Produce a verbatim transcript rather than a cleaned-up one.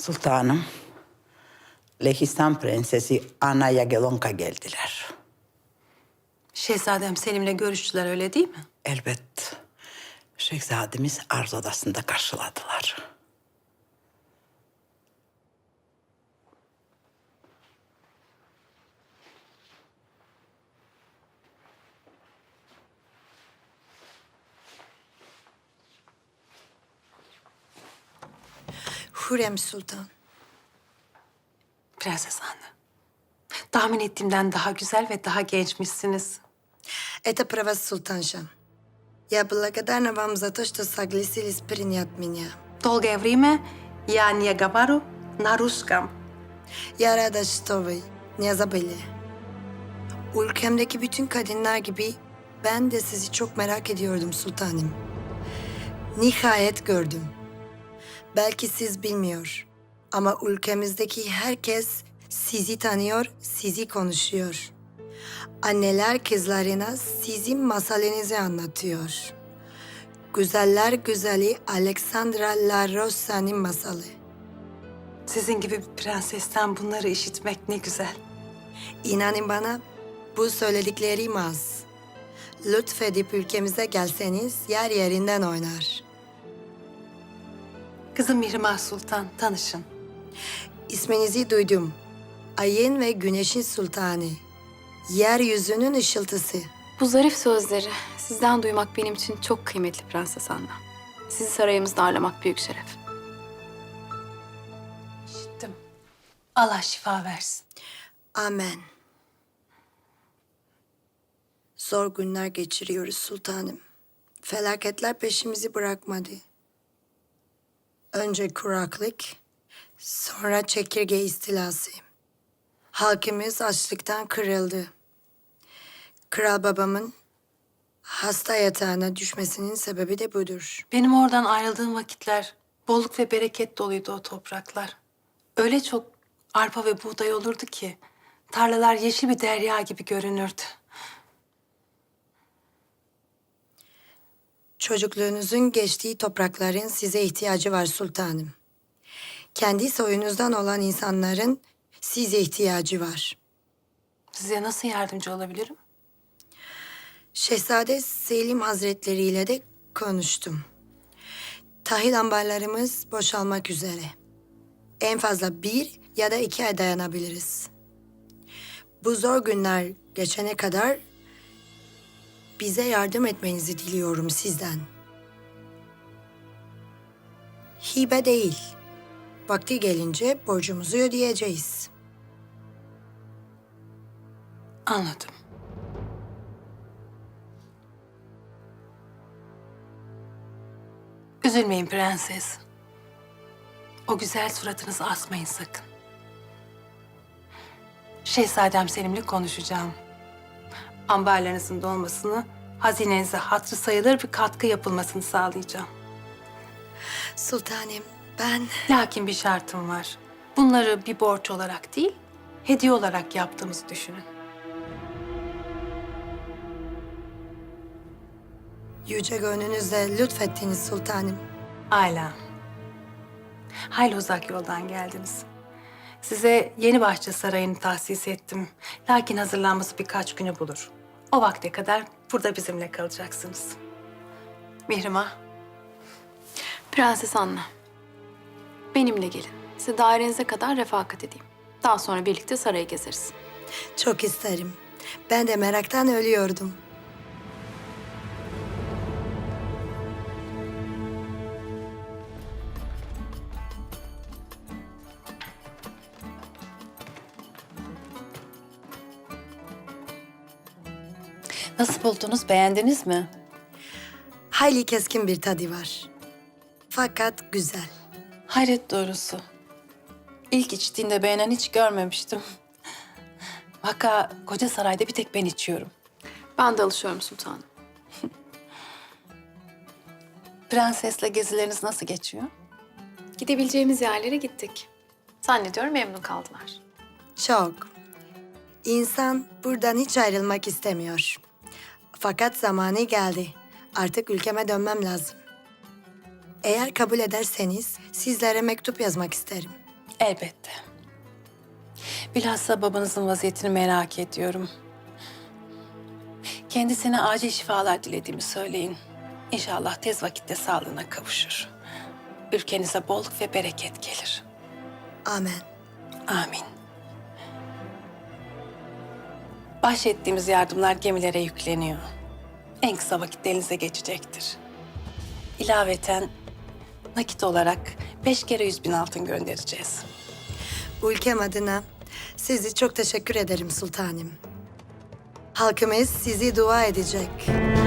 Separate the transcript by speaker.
Speaker 1: Sultanım, Lehistan Prensesi Ana Yagelonka geldiler.
Speaker 2: Şehzadem Selim'le görüştüler, öyle değil mi?
Speaker 1: Elbet şehzademiz arz odasında karşıladılar.
Speaker 3: Hürrem Sultan.
Speaker 2: Prenses Anne. Tahmin ettiğimden daha güzel ve daha gençmişsiniz.
Speaker 3: Это права султанша. Я благодарна вам за то, что согласились принять меня.
Speaker 2: Долгое время я не говорю на русском.
Speaker 3: Я рада, что вы не забыли. Ülkemdeki bütün kadınlar gibi ben de sizi çok merak ediyordum sultanım. Nihayet gördüm. Belki siz bilmiyor ama ülkemizdeki herkes sizi tanıyor, sizi konuşuyor. Anneler kızlarına sizin masalınızı anlatıyor. Güzeller güzeli Alexandra La Rosa'nın masalı.
Speaker 2: Sizin gibi bir prensesten bunları işitmek ne güzel.
Speaker 3: İnanın bana bu söylediklerim az. Lütfedip ülkemize gelseniz yer yerinden oynar.
Speaker 2: Kızım Mihrimah Sultan, tanışın.
Speaker 3: İsminizi duydum. Ayın ve güneşin sultanı. Yeryüzünün ışıltısı.
Speaker 4: Bu zarif sözleri sizden duymak benim için çok kıymetli Prenses Anna. Sizi sarayımızda ağırlamak büyük şeref.
Speaker 2: İşittim. Allah şifa versin.
Speaker 3: Amen. Zor günler geçiriyoruz sultanım. Felaketler peşimizi bırakmadı. Önce kuraklık, sonra çekirge istilası. Halkımız açlıktan kırıldı. Kral babamın hasta yatağına düşmesinin sebebi de budur.
Speaker 2: Benim oradan ayrıldığım vakitler bolluk ve bereket doluydu o topraklar. Öyle çok arpa ve buğday olurdu ki tarlalar yeşil bir derya gibi görünürdü.
Speaker 3: Çocukluğunuzun geçtiği toprakların size ihtiyacı var sultanım. Kendi soyunuzdan olan insanların size ihtiyacı var.
Speaker 2: Size nasıl yardımcı olabilirim?
Speaker 3: Şehzade Selim Hazretleri ile de konuştum. Tahıl ambarlarımız boşalmak üzere. En fazla bir ya da iki ay dayanabiliriz. Bu zor günler geçene kadar bize yardım etmenizi diliyorum sizden. Hibe değil. Vakti gelince borcumuzu ödeyeceğiz.
Speaker 2: Anladım. Üzülmeyin prenses. O güzel suratınızı asmayın sakın. Şehzadem Selim'le konuşacağım. Ambarlarınızın dolmasını, hazinenize hatırı sayılır bir katkı yapılmasını sağlayacağım.
Speaker 3: Sultanım ben...
Speaker 2: Lakin bir şartım var. Bunları bir borç olarak değil, hediye olarak yaptığımızı düşünün.
Speaker 3: Yüce gönlünüzle lütfettiniz sultanım.
Speaker 2: Âlâ. Hayli uzak yoldan geldiniz. Size Yeni Bahçe Sarayı'nı tahsis ettim. Lakin hazırlanması birkaç günü bulur. O vakte kadar burada bizimle kalacaksınız. Mihrimah,
Speaker 4: Prenses Anna, benimle gelin. Size dairenize kadar refakat edeyim. Daha sonra birlikte sarayı gezeriz.
Speaker 3: Çok isterim. Ben de meraktan ölüyordum.
Speaker 2: nasıl buldunuz? Beğendiniz mi?
Speaker 3: Hayli keskin bir tadı var. Fakat güzel.
Speaker 2: Hayret doğrusu. İlk içtiğinde beğenen hiç görmemiştim. Vaka koca sarayda bir tek ben içiyorum.
Speaker 4: Ben de alışıyorum sultanım.
Speaker 2: Prensesle gezileriniz nasıl geçiyor?
Speaker 4: Gidebileceğimiz yerlere gittik. Zannediyorum memnun kaldılar.
Speaker 3: Çok. İnsan buradan hiç ayrılmak istemiyor. Fakat zamanı geldi. Artık ülkeme dönmem lazım. Eğer kabul ederseniz sizlere mektup yazmak isterim.
Speaker 2: Elbette. Bilhassa babanızın vaziyetini merak ediyorum. Kendisine acil şifalar dilediğimi söyleyin. İnşallah tez vakitte sağlığına kavuşur. Ülkenize bolluk ve bereket gelir.
Speaker 3: Amen.
Speaker 2: Amin. Bahşettiğimiz yardımlar gemilere yükleniyor. En kısa vakitte elinize geçecektir. İlaveten nakit olarak beş kere yüz bin altın göndereceğiz.
Speaker 3: Ülkem adına sizi çok teşekkür ederim sultanım. Halkımız sizi dua edecek.